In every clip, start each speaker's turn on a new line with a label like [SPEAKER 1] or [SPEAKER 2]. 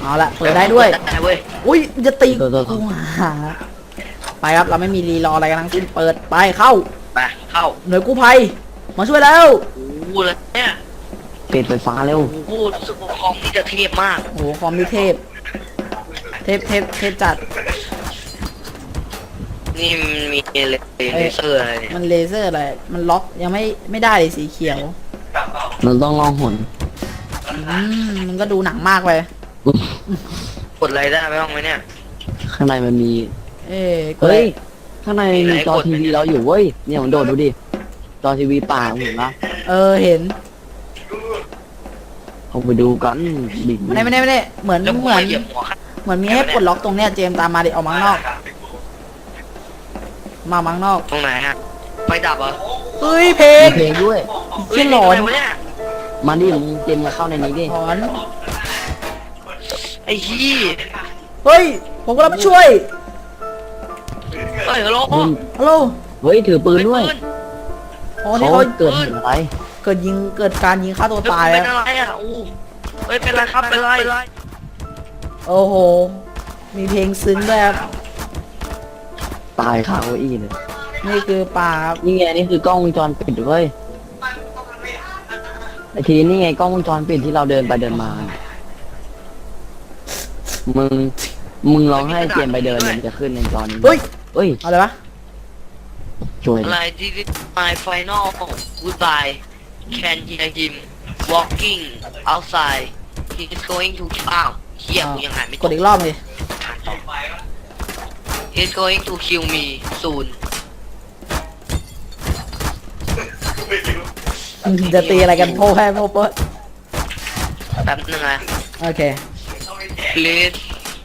[SPEAKER 1] เอาละเปิดได้ด้วย
[SPEAKER 2] ได้เว้ย
[SPEAKER 1] อุ้ยจะตีกูหาไปครับเราไม่มีรีรออะไรกันทั้งสิ้นเปิดไปเข้า
[SPEAKER 2] ไปเข้า
[SPEAKER 1] หน่วยกู้ภัยมาช่วยแล้ว
[SPEAKER 2] กูเลยเนี่ย
[SPEAKER 3] ปิดไฟฟ้าเร็ว
[SPEAKER 2] กูรู้สึกว่าคอมนี่จะเทพมาก
[SPEAKER 1] โอ้โหคอมมิเทพจัด
[SPEAKER 2] นี่มันมีเลเซอร์อะไรเนี่ย
[SPEAKER 1] มันเลเซอร์อะไรมันล็อกยังไม่ได้เลยสีเขียว
[SPEAKER 3] มันต้องลองหน
[SPEAKER 1] มันก็ดูหนังมากไป
[SPEAKER 2] กดอะไรได้ไหมบ้างไหมเนี่ย
[SPEAKER 3] ข้างในมันมี
[SPEAKER 1] เอ้ย
[SPEAKER 3] เฮ้ยข้างในมีจอทีวีเราอยู่เว้ยเนี่ยมันโดดดูดิจอทีวีป่าเห็นปะ
[SPEAKER 1] เห็น
[SPEAKER 3] เอาไปดูกันบิ่ง
[SPEAKER 1] ไม่ได้เหมือน
[SPEAKER 2] แล้วกู
[SPEAKER 1] เหมือน
[SPEAKER 2] มาเหยียบหัวข้าง
[SPEAKER 1] เหมือนมีให้ปลดล็อกตรงเนี้ยเจมส์ตามมาดิออกมาข้างนอกมาข้างนอก
[SPEAKER 2] ตรงไหนฮะไฟดับเหรอ
[SPEAKER 1] เฮ้ยเพล
[SPEAKER 3] มี
[SPEAKER 1] ง
[SPEAKER 3] เพลงด้วย
[SPEAKER 1] เชี่ยหลอน
[SPEAKER 2] เฮ้ยนี่อะไรวะเนี่ย
[SPEAKER 3] มาดิมึงเจมมาเข้าในนี้ดิ
[SPEAKER 1] หลอน
[SPEAKER 2] ไอ้ขี้
[SPEAKER 1] เฮ้ยผมก็รับช่วย
[SPEAKER 2] เฮ้ยฮัลโหล
[SPEAKER 3] มึง
[SPEAKER 1] ฮัลโหล
[SPEAKER 3] เฮ้ยถือปืนด้วย
[SPEAKER 1] อ๋อนี่
[SPEAKER 3] เขา
[SPEAKER 1] เขา
[SPEAKER 3] เกิดเหตุอะไร
[SPEAKER 1] เกิดการยิงฆ่าตัวตาย
[SPEAKER 2] เป็น
[SPEAKER 1] อะ
[SPEAKER 2] อะไรอ่ะอู้เฮ้ยเป็นไรครับเป็นไร
[SPEAKER 1] โอ้โหมีเพลงซึ้งด้วยครับ
[SPEAKER 3] ตายคาเก้าอี้เลย
[SPEAKER 1] นี่คือป่าครับ
[SPEAKER 3] นี่ไงนี่คือกล้องวงจรปิดเว้ยไอทีนี่ไงกล้องวงจรปิดที่เราเดินไปเดินมา มึงลองให้เจมไปเดินมันจะขึ้นในจอนี้
[SPEAKER 1] เฮ้ย
[SPEAKER 3] เฮ้ย
[SPEAKER 1] เอาอะไรวะ
[SPEAKER 3] ช่วย
[SPEAKER 2] อะไร this is my final goodbye can hear him walking outside he is going to อ้าวเฮียกูยังหายไม่
[SPEAKER 1] กดอีกรอบเลย
[SPEAKER 2] he is going to kill me soon
[SPEAKER 1] จะตีอะไรกันโพ่แพ้โพ่เปิด
[SPEAKER 2] แป๊บนึงนะ
[SPEAKER 1] โอเค
[SPEAKER 2] please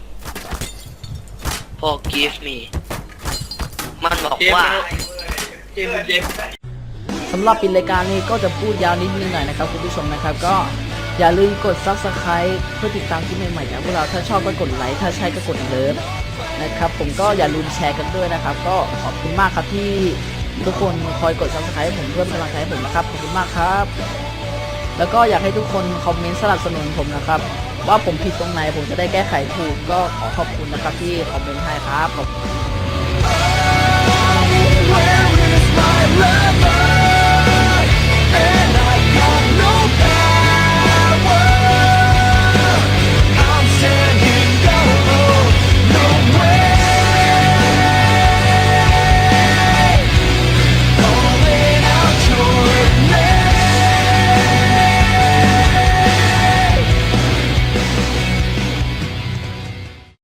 [SPEAKER 2] forgive me มันบอกว่า
[SPEAKER 1] สำหรับปิดรายการนี้ก็จะพูดยาวนิดนึงหน่อยนะครับคุณผู้ชมนะครับก็อย่าลืมกด Subscribe เพื่อติดตามคลิปใหม่ๆจากพวกเราถ้าชอบก็กดไลค์ถ้าใช่ก็กดเลิฟนะครับผมก็อย่าลืมแชร์กันด้วยนะครับก็ขอบคุณมากครับที่ทุกคนคอยกด Subscribe ให้ผมเพื่อเป็นกำลังใจให้ผมนะครับขอบคุณมากครับ แล้วก็อยากให้ทุกคนคอมเมนต์สนับสนุนผมนะครับว่าผมผิดตรงไหนผมจะได้แก้ไขถูกก็ขอขอบคุณนะครับที่คอมเมนต์ให้ครับขอบคุณ